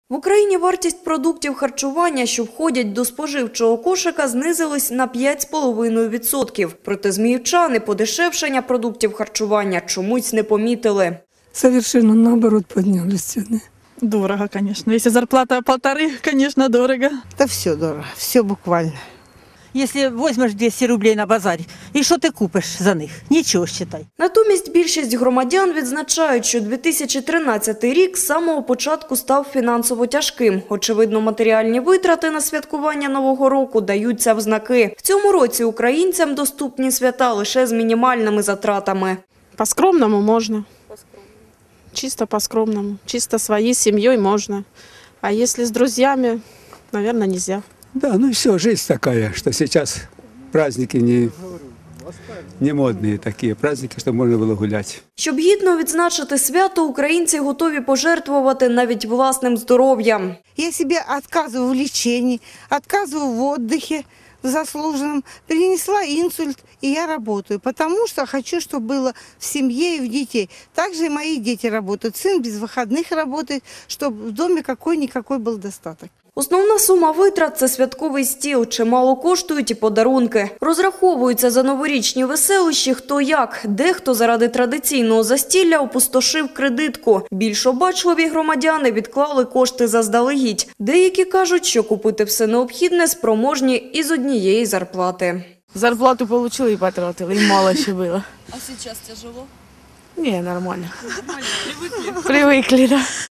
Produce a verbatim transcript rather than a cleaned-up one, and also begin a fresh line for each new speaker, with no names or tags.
В Україні вартість продуктів харчування, що входять до споживчого кошика, знизилась на п'ять з половиною відсотків. Проте зміївчани подешевшення продуктів харчування чомусь не помітили.
Совершенно наоборот поднялись цены.
Дорого, конечно. Если зарплата полторы, конечно, дорого.
Да все дорого, все буквально.
Если возьмешь двести рублей на базарі, і що ти купиш за них? Нічого, считай.
Натомість більшість громадян відзначають, що дві тисячі тринадцятий рік з самого початку став фінансово тяжким. Очевидно, матеріальні витрати на святкування Нового року даються в знаки. В цьому році українцям доступні свята лише з мінімальними затратами.
По-скромному можно. Чисто по-скромному. Чисто своей семьей можно. А если с друзьями, наверное, нельзя.
Да, ну все, жизнь такая, что сейчас праздники не, не модные такие праздники, чтобы можно было гулять.
Щоб гідно відзначити свято, українці готові пожертвувати навіть власним здоров'ям.
Я себе отказываю в лечении, отказываю в отдыхе в заслуженном. Перенесла инсульт, и я работаю, потому что хочу, чтобы было в семье и в детей. Также и мои дети работают. Сын без выходных работает, чтобы в доме какой-никакой был достаток.
Основна сума витрат – це святковий стіл. Чимало коштують і подарунки. Розраховуються за новорічні веселищі хто як. Дехто заради традиційного застілля опустошив кредитку. Більш обачливі громадяни відклали кошти заздалегідь. Деякі кажуть, що купити все необхідне спроможні із однієї зарплати.
Зарплату получили и потратили, и мало еще было.
А сейчас тяжело?
Не, нормально. Привыкли? Привыкли, да.